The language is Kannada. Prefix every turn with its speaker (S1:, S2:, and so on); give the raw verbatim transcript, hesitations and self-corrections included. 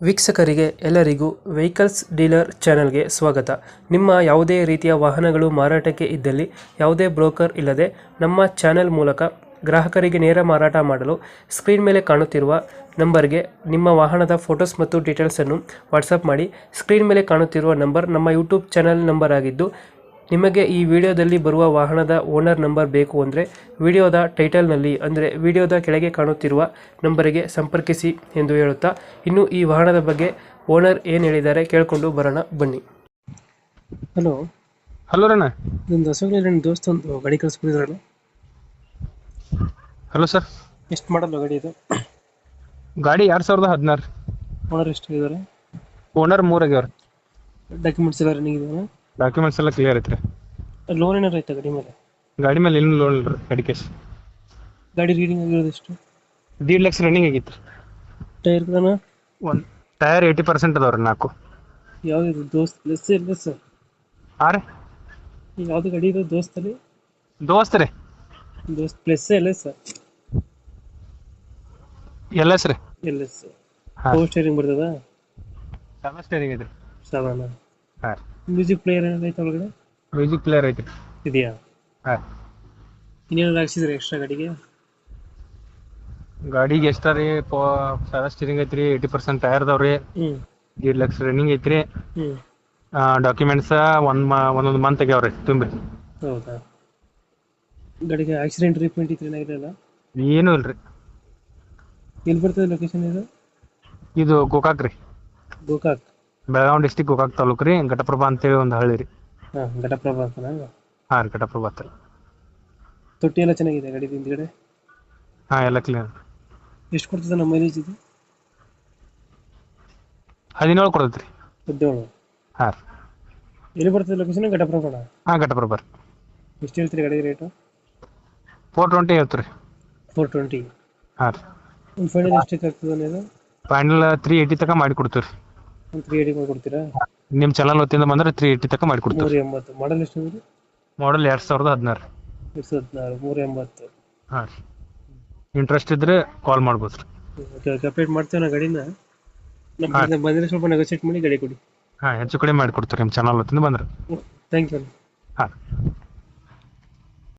S1: ವೀಕ್ಷಕರಿಗೆ ಎಲ್ಲರಿಗೂ ವೆಹಿಕಲ್ಸ್ ಡೀಲರ್ ಚಾನೆಲ್ಗೆ ಸ್ವಾಗತ. ನಿಮ್ಮ ಯಾವುದೇ ರೀತಿಯ ವಾಹನಗಳು ಮಾರಾಟಕ್ಕೆ ಇದ್ದಲ್ಲಿ ಯಾವುದೇ ಬ್ರೋಕರ್ ಇಲ್ಲದೆ ನಮ್ಮ ಚಾನೆಲ್ ಮೂಲಕ ಗ್ರಾಹಕರಿಗೆ ನೇರ ಮಾರಾಟ ಮಾಡಲು ಸ್ಕ್ರೀನ್ ಮೇಲೆ ಕಾಣುತ್ತಿರುವ ನಂಬರ್ಗೆ ನಿಮ್ಮ ವಾಹನದ ಫೋಟೋಸ್ ಮತ್ತು ಡೀಟೇಲ್ಸನ್ನು ವಾಟ್ಸಪ್ ಮಾಡಿ. ಸ್ಕ್ರೀನ್ ಮೇಲೆ ಕಾಣುತ್ತಿರುವ ನಂಬರ್ ನಮ್ಮ ಯೂಟ್ಯೂಬ್ ಚಾನೆಲ್ ನಂಬರ್ ಆಗಿದ್ದು, ನಿಮಗೆ ಈ ವಿಡಿಯೋದಲ್ಲಿ ಬರುವ ವಾಹನದ ಓನರ್ ನಂಬರ್ ಬೇಕು ಅಂದರೆ ವಿಡಿಯೋದ ಟೈಟಲ್ನಲ್ಲಿ ಅಂದರೆ ವಿಡಿಯೋದ ಕೆಳಗೆ ಕಾಣುತ್ತಿರುವ ನಂಬರಿಗೆ ಸಂಪರ್ಕಿಸಿ ಎಂದು ಹೇಳುತ್ತಾ, ಇನ್ನು ಈ ವಾಹನದ ಬಗ್ಗೆ ಓನರ್ ಏನು ಹೇಳಿದ್ದಾರೆ ಕೇಳಿಕೊಂಡು ಬರೋಣ ಬನ್ನಿ. ಹಲೋ
S2: ಹಲೋ ರಣ್ಣ.
S1: ಇದೊಂದು ಹೊಸಗಡೆ ನನ್ನ ದೋಸ್ತ ಒಂದು ಗಾಡಿ ಕಳಿಸ್ಬಿಟ್ಟಿದ್ರಲ್ಲ.
S2: Hello sir.
S1: ಎಷ್ಟು ಮಾಡಲ್ಲ ಗಾಡಿ ಇದು?
S2: ಗಾಡಿ ಎರಡ್ ಸಾವಿರದ ಹದಿನಾರು.
S1: ಓನರ್ ಎಷ್ಟು ಇದ್ದಾರೆ?
S2: ಓನರ್ ಮೂರ್ ಆಗ್ಯಾವ್ರಿ.
S1: ಡಾಕ್ಯುಮೆಂಟ್ಸ್ ಎಲ್ಲ ರನ್ನಿಂಗ್ ಇದೆಯಾ?
S2: ಡಾಕ್ಯುಮೆಂಟ್ಸ್ ಎಲ್ಲ ಕ್ಲಿಯರ್ ಐತ್ರಿ.
S1: ಲೋನ್ ಏನಾರು ಆಯ್ತಾ ಗಾಡಿ ಮೇಲೆ?
S2: ಗಾಡಿ ಮೇಲೆ ಏನು ಲೋನ್ ಇಲ್ರಿ. ಗಾಡಿ ಕೇಸ್
S1: ಗಾಡಿ ರೀಡಿಂಗ್ ಆಗಿರೋದು ಎಷ್ಟು?
S2: ದೀಡ್ ಲಕ್ಷ ರನ್ನಿಂಗ್ ಆಗಿತ್ತು.
S1: ಟೈರ್ ಕೂಡ
S2: ಒಂದು ಟೈರ್ ಏಯ್ಟಿ ಪರ್ಸೆಂಟ್ ಅದಾವ್ರಿ. ನಾಲ್ಕು
S1: ಯಾವ್ದು ದೋಸ್ತ್ ಪ್ಲಸ್ ಇಲ್ಲ ಸರ್?
S2: ಹಾಂ ರೀ.
S1: ಯಾವ್ದು ಗಾಡಿ ಇದು ದೋಸ್ತಲ್ಲಿ?
S2: ದೋಸ್ತ್ ರೀ.
S1: ದೋಸ್ತ್ ಪ್ಲಸ್ ಎಲ್ಲ ಸರ್?
S2: ಎಲ್ ಎಸ್ ರೀ.
S1: L S.
S2: ಹಾಂ.
S1: ಪವರ್ ಸ್ಟೇರಿಂಗ್ ಬರ್ತದ?
S2: ಸೆವೆನ್ ಸ್ಟೇರಿಂಗ್ ಐತ್ರಿ.
S1: ಸೆವೆನ್.
S2: ಹಾಂ.
S1: ಮ್ಯೂಸಿಕ್ ಪ್ಲೇಯರ್ ಏನಾದ್ರು ಐತೆ ಒಳಗಡೆ?
S2: ಮ್ಯೂಸಿಕ್ ಪ್ಲೇಯರ್ ಐತ್ರಿ.
S1: ಇದೆಯಾ?
S2: ಹಾಂ.
S1: ಇನ್ನೇನಾದ್ರು ಹಾಕ್ಸಿದ್ರೆ ಎಕ್ಸ್ಟ್ರಾ ಗಾಡಿಗೆ?
S2: ಗಾಡಿಗೆ ಎಷ್ಟ ರೀ? ಸೆವೆನ್ ಸ್ಟೇರಿಂಗ್ ಐತ್ರಿ. ಏಯ್ಟಿ ಪರ್ಸೆಂಟ್ ಟೈರ್ ಅದಾವ್ರಿ.
S1: ಹ್ಞೂ
S2: ದೀಡ್ ಲಕ್ಷ ರನ್ನಿಂಗ್ ಐತ್ರಿ.
S1: ಹ್ಞೂ
S2: ಡಾಕ್ಯುಮೆಂಟ್ಸ್ ಒಂದ್ ಒಂದೊಂದು ಮಂತ್ ಆಗ್ಯಾವ್ರಿ ತುಂಬಿ.
S1: ಹೌದಾ? ಗಾಡಿಗೆ ಆಕ್ಸಿಡೆಂಟ್ ಟ್ರೀಟ್ಮೆಂಟ್ ಇತ್ತು ಏನಾಗಿರಲ್ಲ?
S2: ಏನೂ ಇಲ್ರಿ.
S1: ಎಲ್ಲಿ ಬರ್ತದೆ ಲೊಕೇಶನ್ ಇದು?
S2: ಇದು ಗೋಕಾಕ್ ರೀ.
S1: ಗೋಕಾಕ್.
S2: ಬೆಳಗಾವಿ ಡಿಸ್ಟಿಕ್ ಗೋಕಾಕ್ ತಾಲೂಕು ರೀ. ಘಟಪ್ರಭಾ ಅಂತೇಳಿ ಒಂದು ಹಳ್ಳಿ ರೀ.
S1: ಹಾಂ, ಘಟಪ್ರಭಾ ಅಂತನಾ?
S2: ಹಾಂ ರೀ, ಘಟಪ್ರಭಾ ಅಂತ.
S1: ತೊಟ್ಟಿ ಎಲ್ಲ ಚೆನ್ನಾಗಿದೆ ಗಾಡಿ ಹಿಂದ್ಗಡೆ?
S2: ಹಾಂ, ಎಲ್ಲ ಕ್ಲಿಯರ್.
S1: ಎಷ್ಟು ಕೊಡ್ತದೆ ನಮ್ಮ ಮೈಲೇಜ್ ಇದು?
S2: ಹದಿನೇಳು ಕೊಡ್ತೈತೆ ರೀ.
S1: ಹದಿನೇಳು?
S2: ಹಾಂ ರೀ.
S1: ಎಲ್ಲಿ ಬರ್ತದೆ ಲೊಕೇಶನ್? ಘಟಪ್ರಭಾ.
S2: ಹಾಂ, ಘಟಪ್ರಭಾ ರೀ.
S1: ಎಷ್ಟು ಹೇಳ್ತೀರಿ ಗಾಡಿ ರೇಟು?
S2: ಫೋರ್ ಟ್ವೆಂಟಿ ಹೇಳ್ತೀವಿ ರೀ.
S1: Four twenty?
S2: ಹಾಂ ರೀ.
S1: ಒಂದು ಫೈನಲ್ ಎಷ್ಟಕ್ಕೆ ಆಗ್ತದೆ ಅನ್ನೋದು?
S2: ಫೈನಲ್ ತ್ರೀ ಏಯ್ಟಿ ತನಕ ಮಾಡಿ ಕೊಡ್ತೀವಿ ರೀ.
S1: ಒಂದು ತ್ರೀ ಏಯ್ಟಿ ಮಾಡಿ ಕೊಡ್ತೀರಾ?
S2: ನಿಮ್ಮ ಚಾನಲ್ ಹೊತ್ತಿಂದ ಬಂದ್ರೆ ತ್ರೀ ಏಯ್ಟಿ ತನಕ ಮಾಡಿ ಕೊಡ್ತೀವಿ.
S1: ಮೂರು ಎಂಬತ್ತು. ಮಾಡಲ್ ಎಷ್ಟು ಅಂದರೆ?
S2: ಮಾಡಲ್ ಎರಡು ಸಾವಿರದ ಹದಿನಾರು.
S1: ಎರಡು ಸಾವಿರದ ಹದಿನಾರು. ಮೂರು ಎಂಬತ್ತು.
S2: ಹಾಂ ರೀ. ಇಂಟ್ರೆಸ್ಟ್ ಇದ್ರೆ ಕಾಲ್ ಮಾಡ್ಬೋದು ರೀ.
S1: ಓಕೆ ಓಕೆ, ಅಪ್ಡೇಟ್ ಮಾಡ್ತೇವೆ ನಾ ಗಾಡಿನ. ನಮ್ಮ ಬಂದರೆ ಸ್ವಲ್ಪ ನೆಗೋಸಿಯೇಟ್ ಮಾಡಿ ಗಾಡಿ ಕೊಡಿ.
S2: ಹಾಂ, ಹೆಚ್ಚು ಕಡಿಮೆ ಮಾಡಿ ಕೊಡ್ತೀವಿ ನಿಮ್ಮ ಚಾನಲ್ ಹೊತ್ತಿಂದ ಬಂದ್ರೆ.
S1: Thank you.
S2: ಹಾಂ.